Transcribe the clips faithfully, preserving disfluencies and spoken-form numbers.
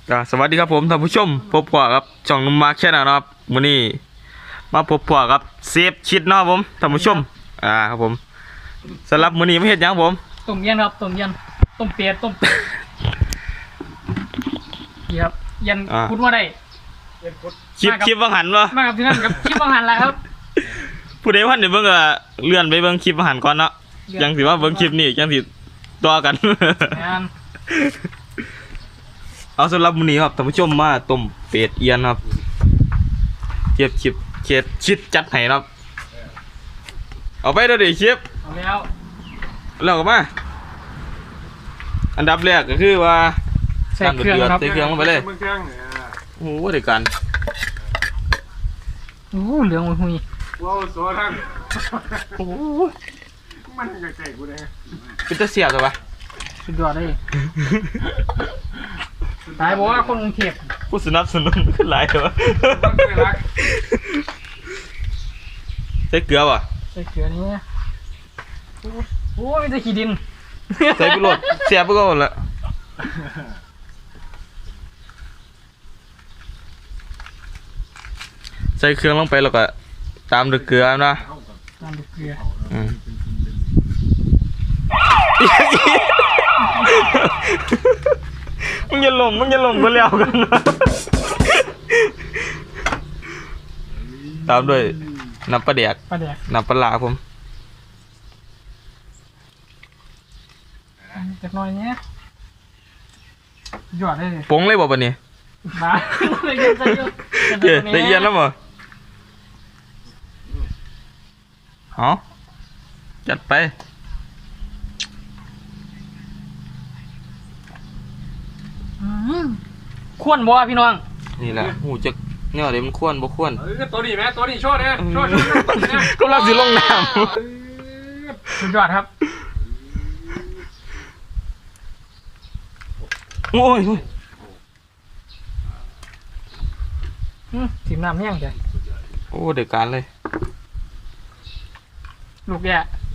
อ่าสวัสดีครับผมท่านผู้ชมพบกับครับช่องนุ่มมาร์คแชนแนลนะครับวันนี้มาพบกับเซฟชิดนะครับผมท่านผู้ชมอ่าครับผมสำหรับมื้อนี้ไม่เห็นยังผมต้มเย็นครับต้มเย็นต้มเป็ดต้มเป็ดนี่ครับเย็นคุดว่าได้คลิปคลิปวังหันวะมากับที่นั่นกับคลิปบางหันแหละครับผู้ใดพันเดี๋ยวเบิ่งก็เลื่อนไปเบิ่งคลิปวังหันก่อนเนาะยังสิว่าเบิ่งคลิปนี้ยังสิต่อกันเอาสำหรับมื้อนี้ครับท่านผู้ชมมาต้มเป็ดเอียนครับเก็บคลิปเข็ดชิดจัดให้ครับเอาไปเด้อดิคลิปเอาแล้วแล้วก็มาอันดับแรกก็คือว่าใส่เครื่องครับใส่เครื่องลงไปเลยโอ้โหเดี๋ยวกันโอ้เหลืองหุยว้าวสวยท่านโอ้มันจะใส่กูเลยเป็นตะเสียบเหรอวะสุดยอดเลยตายบอกว่าคนกรุงเทพผู้สนับสนุนขึ้นหลายเหรอใส่เกลือป่ะใส่เกลือนี่โอ้ไม่ใช่ขี้ดินใส่ไปโหลดเสียบไปก็หมดละใส่เครื่องลงไปแล้วก็ตามด้วยเกลือนะตามด้วยเกลือมึงอย่าหลงมึงอย่าหลงก็แล้วกันนะตามด้วยน้ำปลาแดกน้ำปลาหลาผมจากน้อยเนี้ยหยอดได้เลยปงเลยบอกปะเนี่ยมาเลยเย็นใจเยอะเดี๋ยวได้เย็นแล้วมั้งอ๋อจัดไปขวนบ่พี่น้องนี่แหละหูจะเนี่ยเดี๋ยวมันขวนบ่ขวนตัวนี้ไหมตัวนี้โชว์เนี่ยโชว์ก็รับสิลงน้ำสุดยอดครับโอ้ยถิ่มน้ำแห้งจ้ะโอ้เดือดการเลยลูกแย่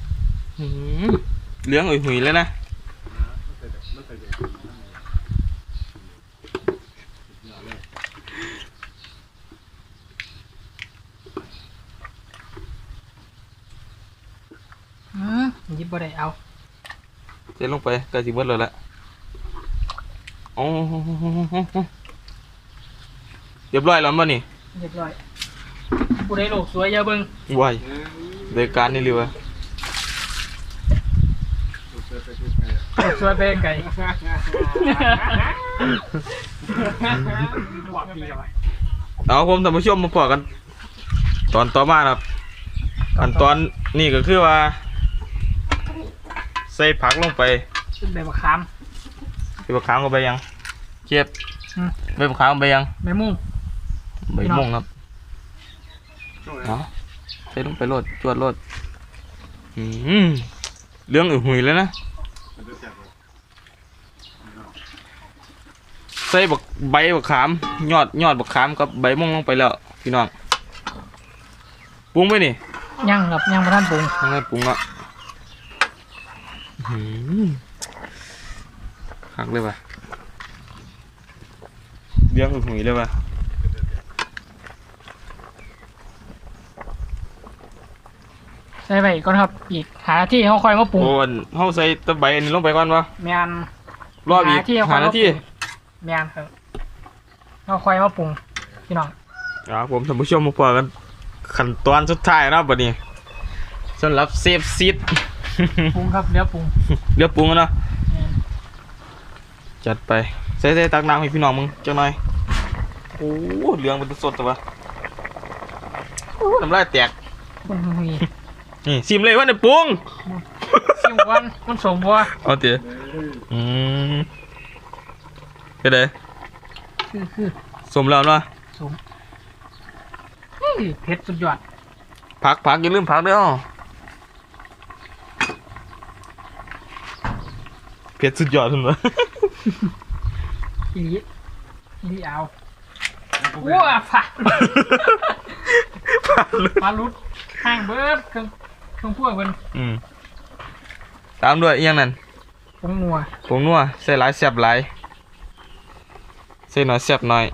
เลี้ยงอุ่ยหุยเลยนะยิบบ่ได้เอาเจ๊ลงไปกระจิบเบิดเลยละโอ้เรียบร้อยแล้วมั้งนี่เรียบร้อยผู้ใดโลกสวยอย่าเบิ่งวายเดือดการนี่เลยวะสวยเป็นไก่เอาผมท่านผู้ชมมาพอกันตอนต่อมาครับขั้นตอนนี่ก็คือว่าใส่ผักลงไปใบมะขามใบมะขามก็ไปยังเจ็บใบมะขามไปยังใบมุ่งใบมุ่งครับเนาะใส่ลงไปโรดจวดโรดอืมเรื่องอื่นหุยเลยนะใส่บักใบบักขามยอดยอดบักขามกับใบมุ่งลงไปแล้วพี่น้องปรุงไปนี่ยังครับยังไม่ทันปรุงยังไม่ปรุงอ่ะหักเลยป่ะเลี้ยงหุยเลยป่ะใส่ไปก่อนครับอีกหาที่เขาคอยมาปรุงโอ้นเขาใส่ตะไบอันนี้ลงไปก่อนป่ะแมนรอบอีกหาหน้าที่แมนครับเขาคอยมาปรุงพี่น้องครับผมท่านผู้ชมมาพอกันขั้นตอนสุดท้ายนะบัดนี้สำหรับเซฟซีดปรุงครับเดี๋ยวปรุงเดี๋ยวปรุงนะจัดไปใส่ใส่ตักน้ำให้พี่น้องมึงจังหน่อยโอ้เหลืองเป็นสดตัววะน้ำลายแตกนี่ซิมเลยว่าเนี่ยปรุงซิมวันมันสมบัวเอาเถอะอืมก็ได้คือคือสมแล้วเนาะสมเผ็ดสุดยอดผักผักอย่าลืมผักด้วยอ๋อเผ็ดสุดยอดถึงเลยอีอีเอาว้าฝาปลาลุดห่างเบิร์ดเครื่องเครื่องพวกมันอืมตามด้วยอีกอย่างนั้นผงนัวผงนัวใส่หลายแซ่บหลายใส่หน่อยแซ่บหน่อย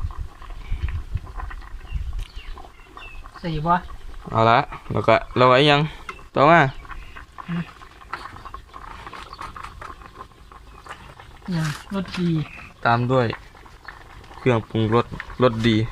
ใส่บ่เอาละแล้วก็เราไอ้ยังต่อมาอย่างรสดีตามด้วยเครื่องปรุงรสรสดี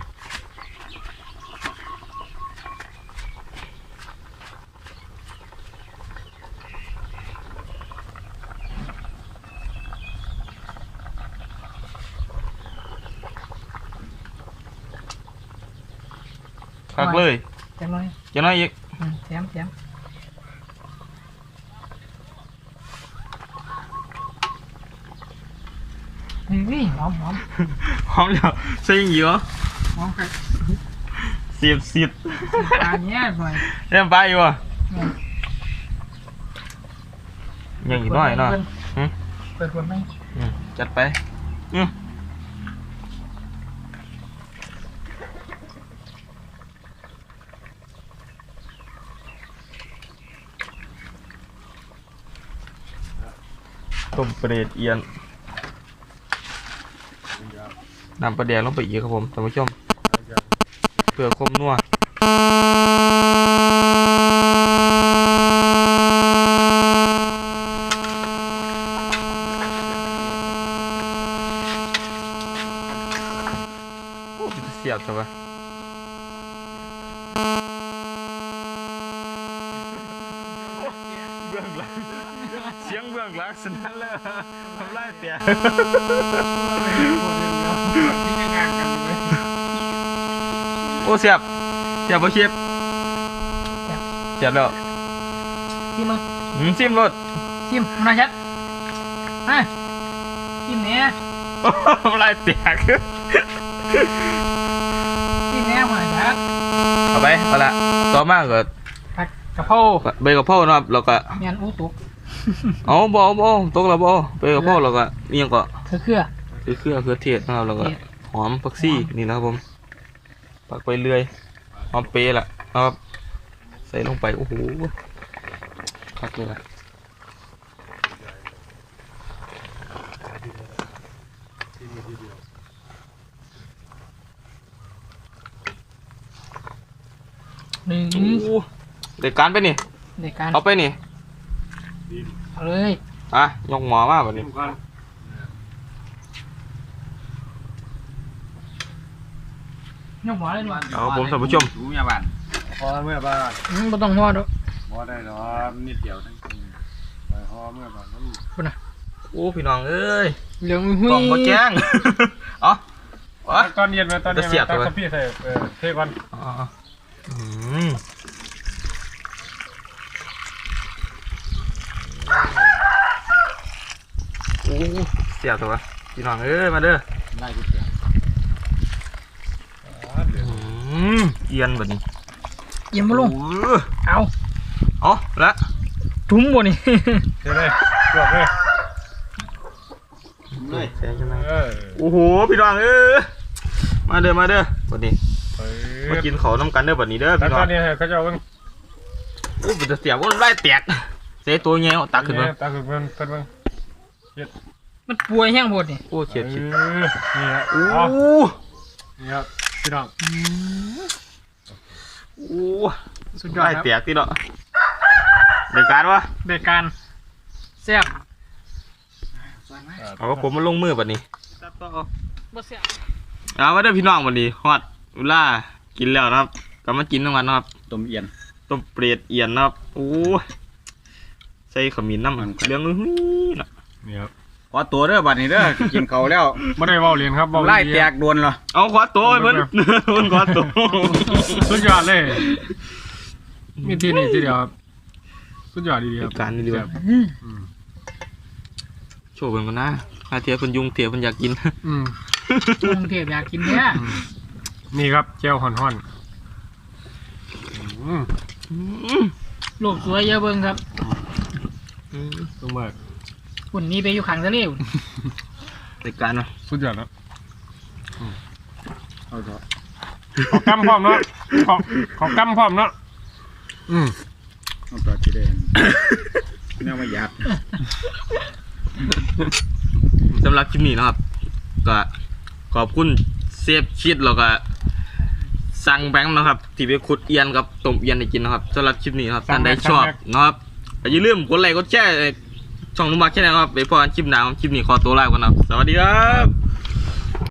คักเลยจังเลยจะน้อยอีกอืมแถมแถมนี่หอมหอมหอมแล้วใส่ยังอยู่เหรอหอมครับเสียบเสียบปลาเนี้ยหน่อยเริ่มไปอยู่อ่ะยังอีกหน่อยหน่อย หืมเปิดคนไหมอืมจัดไปอืมต้มปลาเดดเอียนนำปลาแดงลงไปอีกครับผมท่านผู้ชมเพื่อความนัวโอ้เป็นตาเสียบจังวะเบื้องหลังเสียงเบื้องหลังสนั่นเลยทำไรเตี่ยที่งานกันอยู่เลยโอ้เสียบเสียบบ่เชียบเสียบแล้วชิมมึงอืมซิมรถชิมมาชัดฮะชิมเนี้ยทำไรเตี่ยชิมเนี้ยมาชัดเอาไปเอาละต่อมาก็ผัดกะเพราใบกะเพรานะครับแล้วก็เมียนอู้ตุกเอาบ่เอาบ่ตกแล้วบ่ใบกะเพราแล้วก็นี่ยังก็คือเครือคือเครื่องเครือเทศนะครับแล้วก็หอมผักชีนี่นะครับผมปักไปเรื่อยหอมเปรย์ล่ะนะครับใส่ลงไปโอ้โหคักเลยล่ะหนึ่งโอ้โหเด็กการไปนี่ในการเอาไปนี่เอาเลยอ่ะยกหมอมาแบบนี้ทุกคนยกหัวเลยหน่อยเอาผมท่านผู้ชมรู้ยาบ้านพอเมื่อบ้านอืมไม่ต้องหัวดอกพอได้หรอนิดเดียวทั้งไปพอเมื่อบ้านมันคุณน่ะโอ้พี่น้องเอ้ยเหลืองหุ้ยกล่องบ่แจ้ง เอ๋อตอนเย็นมาตอนเย็นจะเสียบตอนตัวพี่ใส่เออเทก่อนอ๋ออืมโอ้เสียบตัวพี่น้องเอ้ยมาเด้อได้ก๋วยเตี๋ยวอืมเอียนแบบนี้เยี่ยมมาลงโอ้เอาเอาละถุงบ่นี่เทเลยจบเลยเลยแซงใช่ไหมเออโอ้โหพี่น้องเอ้ยมาเด้อมาเด้อบัดนี้เอมาอกินเขาวน้ำกันเด้อบัดนี้เด้อแล้วพี่น้ตออง นนี้เขาจะเอาเพิ่งโอ้เป็นตาเสียบว่าไล่แตกเสียตัวเงี้ยตักขึ้นมาตาขึ้นเพิ่งเพิ่งเพิ่งมันป่วยแห้งหมดนี่โอ้เฉียดเอเฉียดอนี่ฮะโอ้เอานี่ครับพี่น้องโอ้สุดยอดไล่ครับแตกที่เนาะเด็กการวะเด็กการแซ่บเอาผมมาลงมือบัดนี้บ่แซ่บเอามาเด้อพี่น้องบัดนี้ฮอดเวลากินแล้วนะครับกลับมากินทั้งวันนะครับต้มเอียนต้มเปรตเอียนนะครับโอ้ใส่ขมิ้นน้ำมันเลี้ยงอุ้ยล่ะนี่ครับขอตัวเด้อบัดนี้เด้อ กินเขาวแล้วไม่ได้เว้าเรียนครับเว้าไล่เรีแตยนกโดนเหรอเอาขวาตัวไอ้เพิ่น เพิ่นขวาตัวสุดยอดเลยมีที่นี่ที่เดียวครับสุดยอดดีๆครับการนี่ดีวะอืมอืมโชว์เพิ่นก่อนนะถ้าเทียเพิ่นยุงเทียเพิ่นอยากกินอืมกรุงเทพอยากกินเนี่ยอืมนี่ครับเจลห่อนห่อนอืมอืมโลกสวยเยอะเบิ่งครับอืมตรงมากหุ่นนี้ไปอยู่ข้างทะเลหุ่นรายการวะสุดยอดแล้วเอาเถอะขอกำพร้อมเนาะขอขอกำพร้อมเนาะอืมเอาตัวที่เด่นแนวมาหยาบสำหรับคลิปนี้นะครับก็ขอบคุณเซฟชิดแล้วก็สั่งแบงค์นะครับที่ไปขุดเอียนกับต้มเอียนให้กินนะครับสำหรับคลิปนี้ครับท่านใดชอบนะครับอย่าลืมกดไลค์กดแชร์ช่องนุ่มมาแค่ไหนครับไปพอกันคลิปหน้าคลิปนี้ขอตัวลาก่อนนะครับสวัสดีครับ